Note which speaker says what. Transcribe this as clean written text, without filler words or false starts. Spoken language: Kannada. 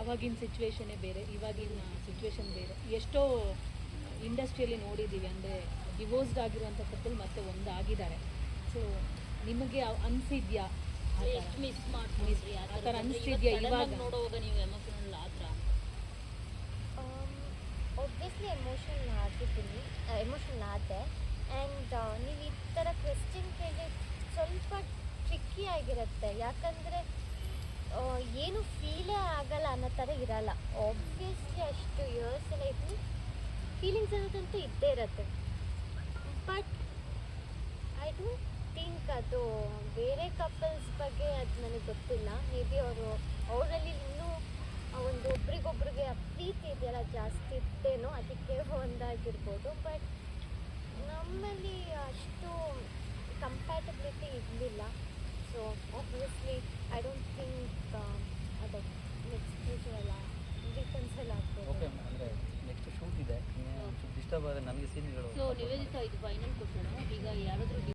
Speaker 1: ಆವಾಗಿನ ಸಿಚುವೇಶನ್ನೇ ಬೇರೆ, ಇವಾಗಿನ ಸಿಚುವೇಶನ್ ಬೇರೆ. ಎಷ್ಟೋ ಇಂಡಸ್ಟ್ರಿಯಲ್ಲಿ ನೋಡಿದ್ದೀವಿ, ಅಂದರೆ ಡಿವೋರ್ಸ್ಡ್ ಆಗಿರುವಂಥ ಕಪಲ್ ಮತ್ತೆ ಒಂದಾಗಿದ್ದಾರೆ. ಸೊ ನಿಮಗೆ ಅನಿಸಿದ್ಯಾ
Speaker 2: ಎಷ್ಟು ಮಿಸ್ ಮಾಡ್ತೀವಿ
Speaker 1: ಆ ಥರ ಅನಿಸ್ತಿದ್ಯಾ ಇವಾಗ
Speaker 2: ನೋಡುವಾಗ ನೀವು ಎಮೋಷನಲ್ ಆ ಥರ?
Speaker 3: ಒಬ್ವಿಯಸ್ಲಿ ಎಮೋಷನಲ್ ಆದೆ. ಆ್ಯಂಡ್ ನೀವು ಈ ಥರ ಕ್ವೆಶ್ಚನ್ ಕೇಳಿ ಸ್ವಲ್ಪ ಟ್ರಿಕ್ಕಿ ಆಗಿರುತ್ತೆ, ಯಾಕಂದರೆ ಏನು ಫೀಲೇ ಆಗಲ್ಲ ಅನ್ನೋ ಥರ ಇರಲ್ಲ. ಆಬ್ವಿಯಸ್ಲಿ ಅಷ್ಟು ಇಯರ್ಸ್ ಎಲ್ಲ ಇದ್ದು ಫೀಲಿಂಗ್ಸ್ ಅನ್ನೋದಂತೂ ಇದ್ದೇ ಇರುತ್ತೆ. ಬಟ್ ಐ ಡೋಂಟ್ ಥಿಂಕ್ ಅದು ಬೇರೆ ಕಪಲ್ಸ್ ಬಗ್ಗೆ ಅದು ನನಗೆ ಗೊತ್ತಿಲ್ಲ. ಮೇ ಬಿ ಅವರಲ್ಲಿ ಇನ್ನೂ ಒಂದು ಒಬ್ರಿಗೊಬ್ರಿಗೆ ಪ್ರೀತಿ ಇದೆಯಲ್ಲ ಜಾಸ್ತಿ ಇತ್ತೇನೋ, ಅದಕ್ಕೆ ಒಂದಾಗಿರ್ಬೋದು. ಬಟ್ ನಮ್ಮಲ್ಲಿ ಅಷ್ಟು ಕಂಪ್ಯಾಟಬಿಲಿಟಿ ಇರಲಿಲ್ಲ. So obviously I don't think ಅದು ನೆಕ್ಸ್ಟ್ ಫ್ಯೂಚರ್ ಎಲ್ಲ ರಿಕನ್ಸೈಲ್ ಆಗ್ಬೋದು.
Speaker 4: ಓಕೆ, ಅಂದರೆ ನೆಕ್ಸ್ಟ್ ಶೂಟ್ ಇದೆ, ಡಿಸ್ಟರ್ಬ್ ಆದರೆ ನನಗೆ ಸೀನ್ಗಳು.
Speaker 2: ಸೊ ನಿವೇದಿತಾ, ಇದು ಫೈನಲ್ ಕ್ವಶನು. ಈಗ ಯಾರಾದರೂ